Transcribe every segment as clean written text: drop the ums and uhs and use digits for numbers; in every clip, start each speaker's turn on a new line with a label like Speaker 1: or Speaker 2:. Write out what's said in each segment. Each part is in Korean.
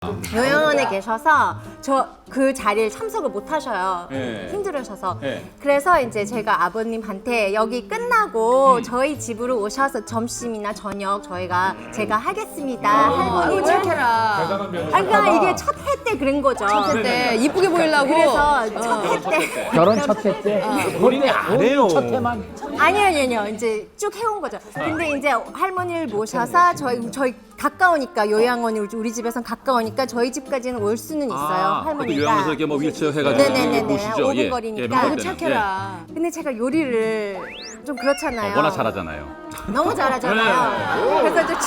Speaker 1: 요양원에 계셔서 저 그 자리에 참석을 못 하셔요.
Speaker 2: 네.
Speaker 1: 힘들으셔서.
Speaker 2: 네.
Speaker 1: 그래서 이제 제가 아버님한테 여기 끝나고 저희 집으로 오셔서 점심이나 저녁 제가 하겠습니다. 할머니
Speaker 3: 착해라.
Speaker 1: 그러니까 이게 첫 해 때 그런 거죠.
Speaker 3: 그때 이쁘게 보이려고.
Speaker 1: 그래서 첫 해 때
Speaker 4: 결혼 첫 해 때 본인이 안 해요. 첫 해만.
Speaker 1: 아니요. 이제 쭉 해온 거죠. 근데 이제 할머니를 모셔서 저희 가까우니까 요양원이 우리 집에선 가까우니까 저희 집까지는 올 수는 있어요. 할머니가.
Speaker 2: 요양원에서 이렇게 뭐 휠체어 해가지고
Speaker 1: 네네네네.
Speaker 2: 보시죠.
Speaker 1: 5분 거리니까.
Speaker 3: 아이고 착해라.
Speaker 1: 근데 제가 요리를 좀 그렇잖아요.
Speaker 2: 워낙 잘하잖아요.
Speaker 1: 너무 잘하잖아요. 그래서 이제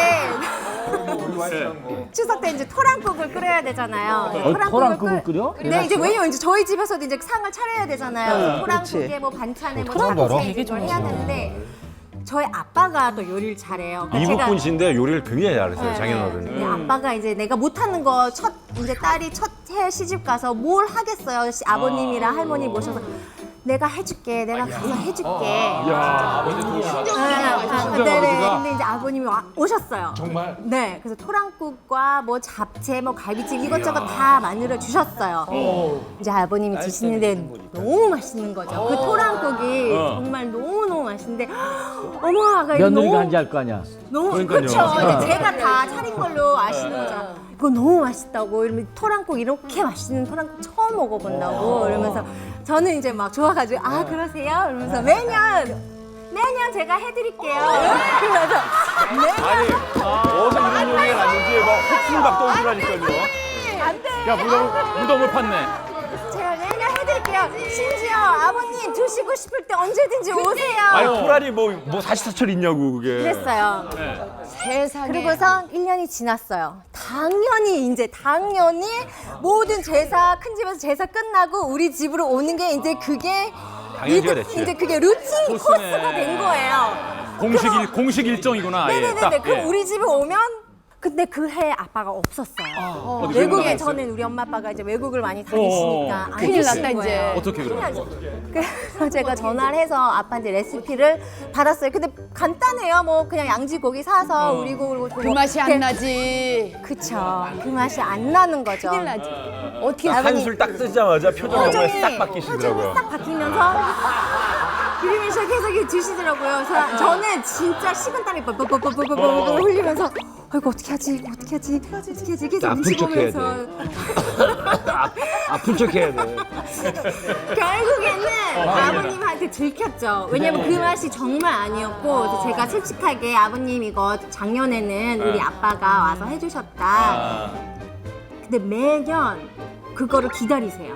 Speaker 1: 추석 때 이제 토랑국을 끓여야 되잖아요.
Speaker 4: 토랑국을 끓여?
Speaker 1: 네, 이제 왜냐면 이제 저희 집에서도 이제 상을 차려야 되잖아요. 토랑국에 뭐 반찬에 뭐 잡채 이걸 해야 되는데 저희 아빠가 또 요리를 잘해요. 그러니까
Speaker 5: 이국 분이신데 요리를 굉장히 잘했어요,
Speaker 1: 네,
Speaker 5: 장인어른이.
Speaker 1: 근데 아빠가 이제 내가 못하는 거 이제 딸이 첫 해 시집 가서 뭘 하겠어요. 아버님이랑 할머니 모셔서 내가 해줄게. 내가 가서 해줄게. 네네. 근데 이제 아버님이 오셨어요.
Speaker 6: 정말?
Speaker 1: 네. 그래서 토랑국과 뭐 잡채, 뭐 갈비찜 이것저것 다 만들어 주셨어요. 이제 아버님이 드시는데 너무 맛있는 거죠. 그 토랑국이 정말 너무 맛있는데 어머 아가 이거
Speaker 4: 며느리가
Speaker 1: 너무
Speaker 4: 한지 알 거 아니야.
Speaker 1: 너무 그렇죠. 이제 제가 다 차린 걸로 아시는 거죠. 이거 너무 맛있다고 이러면 토랑국 이렇게 맛있는 토랑국 처음 먹어본다고 이러면서 저는 이제 막 좋아가지고 아 그러세요? 이러면서 매년 제가 해드릴게요. 그러면서
Speaker 5: 아니, 어디서 이런 얘기가 났는지 막 헛술박 떠오르라니까요.
Speaker 2: 야, 무덤을 팠네.
Speaker 1: 제가 매년 해드릴게요. 심지어 아버님 드시고 싶을 때 언제든지 오세요.
Speaker 5: 아니, 코랄이 뭐 사시사철 있냐고, 그게.
Speaker 1: 그랬어요.
Speaker 3: 세상에.
Speaker 1: 그리고서 1년이 지났어요. 당연히 모든 제사 큰 집에서 제사 끝나고 우리 집으로 오는 게 이제 그게
Speaker 5: 당연시가 됐지.
Speaker 1: 이제 그게 루틴 코스가 된 거예요.
Speaker 2: 공식 일정이구나. 아예.
Speaker 1: 네네네.
Speaker 2: 딱,
Speaker 1: 그럼
Speaker 2: 예.
Speaker 1: 우리 집에 오면 근데 그 해 아빠가 없었어요.
Speaker 2: 어디
Speaker 1: 외국에
Speaker 2: 나갔어요?
Speaker 1: 저는 우리 엄마 아빠가 이제 외국을 많이 다니시니까 안
Speaker 3: 큰일
Speaker 1: 계신
Speaker 3: 났다,
Speaker 1: 거예요.
Speaker 3: 이제.
Speaker 2: 어떻게 그러면?
Speaker 1: 큰일 나죠. 그래서 제가 전화를 해서 아빠한테 레시피를 받았어요. 근데 간단해요. 뭐 그냥 양지고기 사서 우리고
Speaker 3: 그 맛이 안 나지.
Speaker 1: 그쵸. 그 맛이 안 나는 거죠.
Speaker 3: 큰일 나지. 어떻게
Speaker 5: 한술 딱 뜨자마자 표정이 정말 싹 바뀌시더라고요.
Speaker 1: 싹 바뀌면서 그림을 시작해서 이렇게 드시더라고요. 그래서 저는 진짜 식은땀이 뻘뻘뻘뻘뻘 흘리면서 이거 어떻게 하지? 계속
Speaker 5: 아픈
Speaker 1: 눈치
Speaker 5: 척 해야
Speaker 1: 보면서
Speaker 5: 아픈 척 해야 돼.
Speaker 1: 결국에는 아버님한테 들켰죠. 왜냐면 그 맛이 정말 아니었고 그래서 제가 솔직하게 아버님 이거 작년에는 우리 아빠가 와서 해주셨다. 근데 매년 그거를 기다리세요.